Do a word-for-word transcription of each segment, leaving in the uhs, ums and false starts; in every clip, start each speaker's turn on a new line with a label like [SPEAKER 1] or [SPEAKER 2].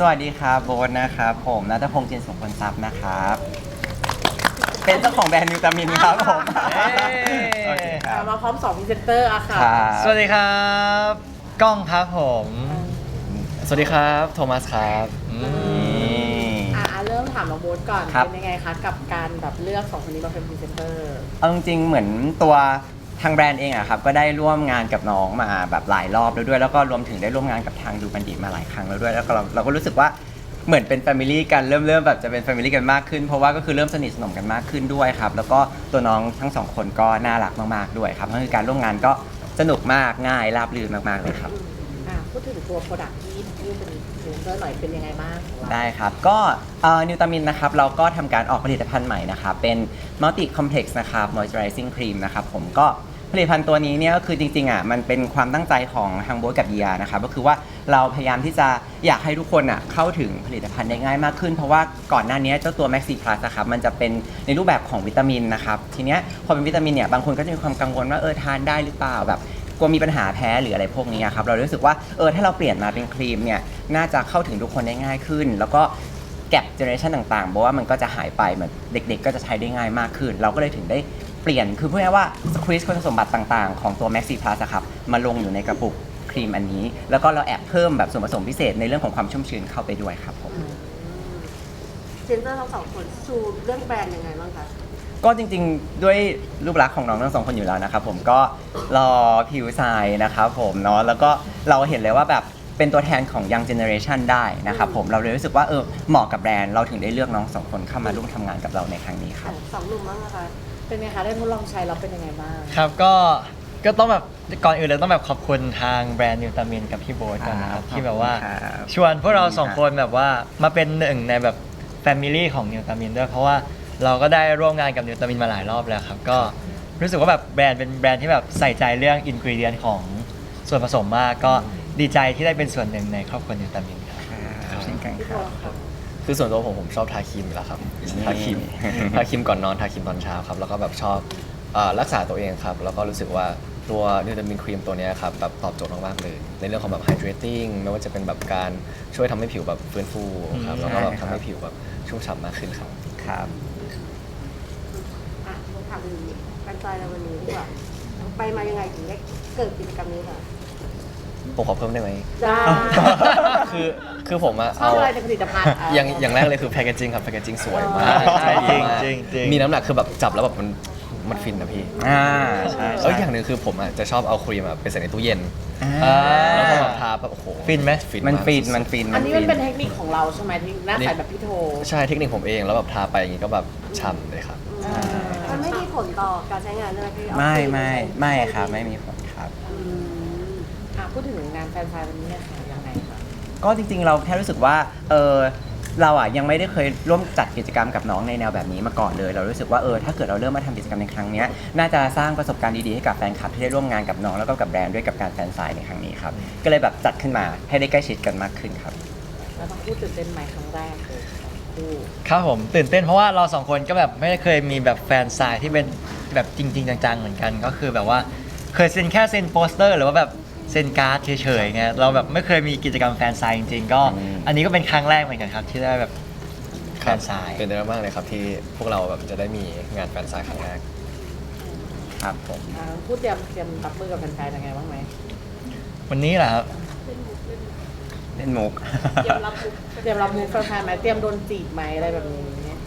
[SPEAKER 1] วัสดีครับโบ๊ทนะครับผมณัฐพงษ์จินสุขผลทรัพย์นะครับเป็นเจ้าของแบรนด์นิวตามินครับผม
[SPEAKER 2] เย้
[SPEAKER 1] โอเคครับ
[SPEAKER 3] มาพร้อมสองพรีเซนเตอร์อะค่ะ
[SPEAKER 1] ครับ
[SPEAKER 2] สวัสดีครับก้องครับผม
[SPEAKER 4] สวัสดีครับโทมัสครับอืม
[SPEAKER 1] นี่
[SPEAKER 3] อ่ะเริ่มถามน้องโบ๊ทก่อน
[SPEAKER 1] ครับ
[SPEAKER 3] เป็นยังไงคะกับการแบบเลือกสองคนนี้มาเป็นพรีเซนเตอร์
[SPEAKER 1] เอาจริงๆเหมือนตัวทางแบรนด์เองอะครับก็ได้ร่วมงานกับน้องมาแบบหลายรอบแล้วด้วยแล้วก็รวมถึงได้ร่วมงานกับทางดูบัณฑิตมาหลายครั้งแล้วด้วยแล้วก็เราเราก็รู้สึกว่าเหมือนเป็นแฟมิลี่กันเริ่มเริ่มแบบจะเป็นแฟมิลี่กันมากขึ้นเพราะว่าก็คือเริ่มสนิทสนมกันมากขึ้นด้วยครับแล้วก็ตัวน้องทั้งสองคนก็น่ารักมากๆด้วยครับก็คือการร่วมงานก็สนุกมากง่ายราบรื่นมากๆเลยครับ
[SPEAKER 3] อ่ะพูดถึงตัวโปรดักที่ที่เป็นพรีเซนเตอร์หน่อยเป็นยังไงบ้างของเรา
[SPEAKER 1] ได้ครับ ก็นิวตามินนะครับเราก็ทำการออกผลิตภัณฑ์ใหม่นะครับเป็น Multi Complex นะครับ Moisturizing Cream นะครับผมก็ผลิตภัณฑ์ตัวนี้เนี่ยก็คือจริงๆอ่ะมันเป็นความตั้งใจของทางโบ๊ทกับเยียนะครับก็คือว่าเราพยายามที่จะอยากให้ทุกคนอ่ะเข้าถึงผลิตภัณฑ์ได้ง่ายมากขึ้นเพราะว่าก่อนหน้านี้เจ้าตัว Maxi Plus นะครับมันจะเป็นในรูปแบบของวิตามินนะครับทีเนี้ยพอเป็นวิตามินเนี่ยบางคนก็จะมีความกังวลว่าเออทานได้หรือเปล่าแบบกลัวมีปัญหาแพ้หรืออะไรพวกนี้ครับเรารู้สึกว่าเออถ้าเราเปลี่ยนมาเป็นครีมเนี่ยน่าจะเข้าถึงทุกคนได้ง่ายขึ้น แล้วก็แก็บเจเนอเรชันต่างๆเพราะว่ามันก็จะหายไปเหมือนเด็กๆก็จะใช้ได้ง่ายมากขึ้น เราก็เลยถึงได้เปลี่ยนคือพูดง่ายๆว่าสควีซคุณสมบัติต่างๆของตัว Maxi Plus อะครับมาลงอยู่ในกระปุกครีมอันนี้ แล้วก็เราแอบเพิ่มแบบส่วนผสมพิเศษในเรื่องของความชุ่มชื้นเข้าไปด้วยครับผม
[SPEAKER 3] พรีเซนเตอร์ทั้งสองคนชูเรื่องแบรนด์ยังไงบ้างคะ
[SPEAKER 1] ก็จริงๆด้วยรูปลักษณ์ของน้องทั้งสองคนอยู่แล้วนะครับผมก็รอผิวทรายนะครับผมเนาะแล้วก็เราเห็นเลยว่าแบบเป็นตัวแทนของ Young Generation ได้นะครับผมเราเลยรู้สึกว่าเออเหมาะกับแบรนด์เราถึงได้เลือกน้องสองคนเข้ามาร่วมทำงานกับเราในครั้งนี้ครับ
[SPEAKER 3] สองหนุ่มบ้างนะคะเป็นไงคะได้ทดลองใช้แล้วเป็นยังไงบ้าง
[SPEAKER 2] ครับก็ก็ต้องแบบก่อนอื่นเลยต้องแบบขอบคุณทางแบรนด์นิวตามินกับพี่โบ๊ทก่อนนะครับ
[SPEAKER 1] ครับ
[SPEAKER 2] ที่แบบว่า
[SPEAKER 1] ขอบคุณครับ
[SPEAKER 2] ชวนพวกเราสองคนแบบว่ามาเป็นหนึ่งในแบบแฟมิลี่ของนิวตามินด้วยเพราะว่าเราก็ได้ร่วมงานกับนิวตามินมาหลายรอบแล้วครับก็รู้สึกว่าแบบแบรนด์เป็นแบรนด์ที่แบบใส่ใจเรื่องอินกรีเดียนของส่วนผสมมากก็ดีใจที่ได้เป็นส่วนหนึ่งในครอบครัวนิวตามินครับ
[SPEAKER 1] ครับเช่นกัน
[SPEAKER 3] พี่
[SPEAKER 1] ค
[SPEAKER 3] โบ๊
[SPEAKER 1] รับ
[SPEAKER 3] ทครับ
[SPEAKER 4] คือส่วนตัวผมผมชอบทาครีมอยู่แล้วครับทาครีม ทาครีมก่อนนอนทาครีมตอนเช้าครับแล้วก็แบบชอบเอ่อรักษาตัวเองครับแล้วก็รู้สึกว่าตัวนิวตามินครีมตัวเนี้ยครับแบบตอบโจทย์มากๆเลยในเรื่องของแบบ hydrating ไม่ว่าจะเป็นแบบการช่วยทำให้ผิวแบบฟื้นฟูครับแล้วก็แบบ
[SPEAKER 1] ใช่ครับ
[SPEAKER 4] ทำให้ผิวแบบชุ่มฉ่ำมากขึ้นครับ
[SPEAKER 1] ครับ
[SPEAKER 3] อ่ะถามถึงการใจในวันนี้ดีกว่าไปมายังไงถึงได้เกิดกิจกรรมนี้ค่ะ
[SPEAKER 4] ผมขอเพิ่มได้ไหม
[SPEAKER 3] ได้
[SPEAKER 4] คือคือผมอะ
[SPEAKER 3] ชอบ
[SPEAKER 4] เอา
[SPEAKER 3] อะไรในผลิตภัณฑ์ะ
[SPEAKER 4] อย่างอย่างแรกเลยคือแพคเกจิ้งครับแพคเกจิ้งสวยมาก
[SPEAKER 3] อ๋อ
[SPEAKER 4] ใช่ดีมาก
[SPEAKER 2] จริงจริง
[SPEAKER 4] มีน้ำหนักคือแบบจับแล้วแบบมันมันฟินนะพี่
[SPEAKER 1] อ่าใช่
[SPEAKER 4] เอ้
[SPEAKER 1] ใช่
[SPEAKER 4] ยอย่างหนึ่งคือผมอ่ะจะชอบเอาครีมอะไปใส่ในตู้เย็น
[SPEAKER 1] อ่า
[SPEAKER 4] แล้วพอแบบทาแบบโอ้โห
[SPEAKER 2] ฟินไหม
[SPEAKER 4] ฟิน
[SPEAKER 1] มัน
[SPEAKER 4] าก
[SPEAKER 1] ฟินมันฟิน
[SPEAKER 3] อันนี้มัน
[SPEAKER 1] ฟิ
[SPEAKER 3] เป็นเทคนิคของเราใช่ไหมที่หน้าใสแบบพี่โท
[SPEAKER 4] ใช่เทคนิคผมเองแล้วแบบทาไปอย่างงี้ก็แบบฉ่ำเลยครับ
[SPEAKER 5] มันไม่มีผลต่อการใช้งานเลยพี่เอา
[SPEAKER 1] ไม่
[SPEAKER 5] ครี
[SPEAKER 1] ไม่
[SPEAKER 5] ใช้
[SPEAKER 1] ไม่ครับไม่มีผลครับ
[SPEAKER 3] อืมอ่ะพูดถึงงานแฟนไซน์วันนี้เนี่ยค่ะยังไงคะ
[SPEAKER 1] ก็จริงๆเราแค่รู้สึกว่าเออเราอ่ะยังไม่ได้เคยร่วมจัดกิจกรรมกับน้องในแนวแบบนี้มาก่อนเลย เรารู้สึกว่าเออถ้าเกิดเราเริ่มมาทำกิจกรรมในครั้งเนี้ยน่าจะสร้างประสบการณ์ดีๆให้กับแฟนคลับที่ได้ร่วมงานกับน้องแล้วก็กับแบรนด์ด้วยกับการแฟนไซน์ในครั้งนี้ครับก็เลยแบบจัดขึ้นมาให้ได้ใกล้ชิดกันมากขึ้นครับ
[SPEAKER 3] แล้วต้องพูดตื่นเต้นไหมครั้งแรกเลยของคู่
[SPEAKER 2] ครับผมตื่นเต้นเพราะว่าเราสองคนก็แบบไม่ได้เคยมีแบบแฟนซายที่เป็นแบบจริง ๆ จังๆเหมือนกันก็คือแบบว่าเคยเซ็นแค่เซ็นโปสเตอร์หรือว่าแบบเซ็นการ์ดเฉยๆไงเราแบบไม่เคยมีกิจกรรมแฟนซายจริงๆก็
[SPEAKER 1] อืม
[SPEAKER 2] อันนี้ก็เป็นครั้งแรกเหมือนกันครับที่ได้แบบแฟนซาย
[SPEAKER 4] เป็นได้มากเลยครับที่พวกเราแบบจะได้มีงานแฟนไซน์ครั้งแรก
[SPEAKER 1] ครับผม
[SPEAKER 3] อ่าพูดเตรียมเตรียมรับมือกับแฟนๆยังไงบ้างไหม
[SPEAKER 2] วันนี้แหละครับ
[SPEAKER 1] เล่นมุก
[SPEAKER 3] เตรียมรับมือเตรียมรับมือแฟนๆไหมเตรียมโดนจีบไหมอะไรแบบนี้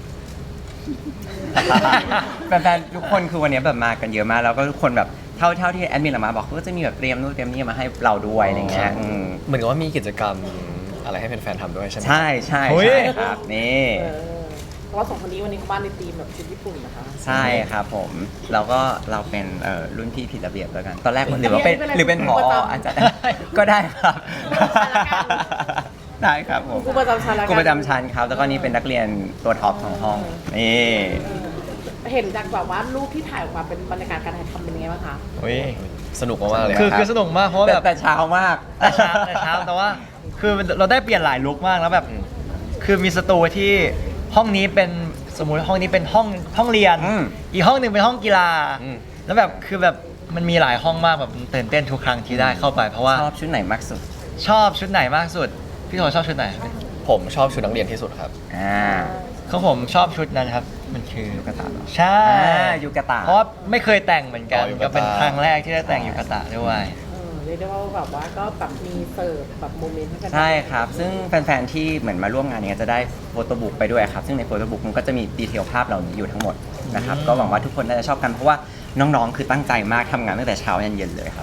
[SPEAKER 1] แฟนๆทุกคนคือวันนี้แบบมากันเยอะมากแล้วก็ทุกคนแบบเท่าเท่าที่แอดมินออกมาบอกเขาก็จะมีแบบเตรียมนู่นเตรียมนี่มาให้เราด้วยอะไรเงี้ยอืม
[SPEAKER 4] เหมือนกับว่ามีกิจกรรมอะไรให้แฟนๆทำด้วยใช่ไหม
[SPEAKER 1] ใช่ใช่
[SPEAKER 2] เฮ้ย
[SPEAKER 1] ใช่ครับนี่
[SPEAKER 3] เออเพราะว่าสองคนนี้วันนี้เขาบ้านในทีมแบบชุดญี่ปุ่นนะคะ
[SPEAKER 1] ใช่ครับผมเราก็เราเป็นเอ่อรุ่นพี่ผิดระเบียบแล้วกัน ตอนแรกหรือว่าเป็นหรือเป็นผออาจจะก็ได้ครับ ได้ครับผม
[SPEAKER 3] ครูประจำชั้นแล้วกัน
[SPEAKER 1] ครูประจำชั้นครับ แล้วก็นี่เป็นนักเรียนตัวท็อปของห้องนี่
[SPEAKER 3] เห็นจากแบบว่ารูปที่ถ่ายออกมาเป็นบรรยากาศการถ่ายทำเป็นยังไงบ้างคะ
[SPEAKER 2] โอ้ย
[SPEAKER 4] สนุกมากๆเลย
[SPEAKER 2] คือ
[SPEAKER 4] รับ
[SPEAKER 2] คือสนุกมากเพราะว่า
[SPEAKER 1] แต่
[SPEAKER 2] แบบ
[SPEAKER 1] แต่เช้ามาก
[SPEAKER 2] แต่เช้าแต่เช้าแต่ว่าคือเราได้เปลี่ยนหลายลุคมากแล้วแบบ คือมีสตูที่ห้องนี้เป็นสมมุติห้องนี้เป็นห้องห้องเรียน
[SPEAKER 1] อืม
[SPEAKER 2] อีกห้องหนึ่งเป็นห้องกีฬา
[SPEAKER 4] อืม
[SPEAKER 2] แล้วแบบคือแบบมันมีหลายห้องมากแบบตื่นเต้นทุกครั้งที่ได้เข้าไป เพราะว่า
[SPEAKER 1] ชอบชุดไหนมากสุด
[SPEAKER 2] ชอบชุดไหนมากสุด พี่โถชอบชุดไหน
[SPEAKER 4] ผมชอบชุดนักเรียนที่สุดครับ
[SPEAKER 1] อ่า
[SPEAKER 2] ของผมชอบชุดนั้นครับ มันคือ
[SPEAKER 1] ยูกะตะเหรอ
[SPEAKER 2] ใช่
[SPEAKER 1] อ่ายูกะตะ
[SPEAKER 2] เพราะว่าไม่เคยแต่งเหมือนกัน
[SPEAKER 4] อ๋อยูกะตะ
[SPEAKER 2] ก็เป็นครั้งแรกที่ได้แต่งยูกะตะด้วย
[SPEAKER 6] เออเรียกได้ว่าแบบว่าก็แบบมีเสิร์ฟแบบโมเมนต์ให้กัน
[SPEAKER 1] ใช่ครับ ซึ่งแฟนๆ ที่เหมือนมาร่วมงานเนี้ยจะได้โฟโต้บุ๊กไปด้วยครับ ซึ่งในโฟโต้บุ๊กมันก็จะมีดีเทลภาพเหล่านี้อยู่ทั้งหมดนะครับ
[SPEAKER 2] อืม
[SPEAKER 1] ก็หวังว่าทุกคนน่าจะชอบกันเพราะว่าน้องๆ คือตั้งใจมากทำงานตั้งแต่เช้ายันเย็นเลยครับ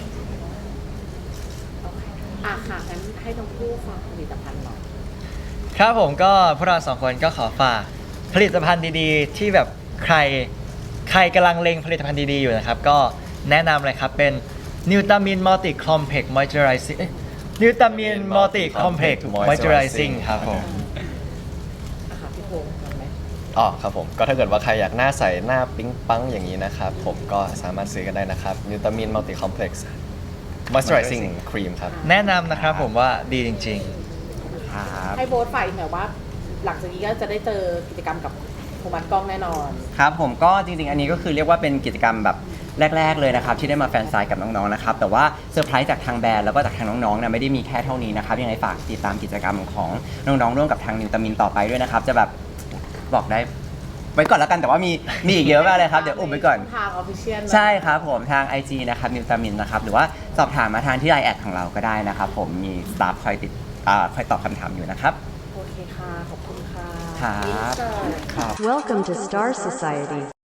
[SPEAKER 6] อ่ะค่ะงั้นให้ทั้งคู่ฝากผลิตภัณฑ์หน่อย
[SPEAKER 2] ครับผมก็พวกเราสองคนก็ขอฝากผลิตภัณฑ์ดีๆ ที่แบบใครใครกำลังเล็งผลิตภัณฑ์ดีๆอยู่นะครับ ก็แนะนำเลยครับเป็นนิวตามินมัลติคอมเพล็กซ์มอยเจอไรซิ่งนิวตามินมัลติคอมเพล็กซ์มอยเจอไรซิ่งครับผม
[SPEAKER 6] อ่ะค่ะพี่พงษ์ทำไหม
[SPEAKER 4] อ๋อครับผมก็ถ้าเกิดว่าใครอยากหน้าใสหน้าปิ๊งปังอย่างนี้นะครับ ผมก็สามารถซื้อกันได้นะครับนิวตามินมัลติคอมเพล็กซ์มอยส์เจอไรซิ่งครีมครับ
[SPEAKER 2] แนะนำนะครับผมว่าดีจริง
[SPEAKER 1] ครับ
[SPEAKER 6] ให้โบ๊ทฝ่ายหน่อยว่า หลังจากนี้ก็จะได้เจอกิจกรรมกับโทมัสกล้องแน่นอน
[SPEAKER 1] ครับผมก็จริงๆ อันนี้ก็คือเรียกว่าเป็นกิจกรรมแบบแรก ๆ เลยนะครับที่ได้มาแฟนไซน์กับน้องๆ นะครับแต่ว่าเซอร์ไพรส์จากทางแบรนด์แล้วก็จากทางน้องๆเนี่ยไม่ได้มีแค่เท่านี้นะครับยังไงฝากติดตามกิจกรรมของน้องๆ ร่วมกับทางนิวตามินต่อไปด้วยนะครับจะแบบบอกได้ไว้ก่อนแล้วกันแต่ว่ามีมีอีกเยอะมากเลยครับเดี๋ยวอุบไว้ก่อน
[SPEAKER 6] ทางออฟฟิเชียล
[SPEAKER 1] ใช่ครับผมทาง ไอ จี นะครับนิวตามินนะครับหรือว่าสอบถามมาทางที่ไลน์แอดของเราก็ได้นะครับผมมีสตาฟคอยติดอ่าคอยตอบคำถามอยู่นะครับ
[SPEAKER 6] โอเคค่ะ ขอบคุณค่ะ
[SPEAKER 1] ครับ
[SPEAKER 6] Insert
[SPEAKER 1] ครับ
[SPEAKER 5] Welcome to Star Society.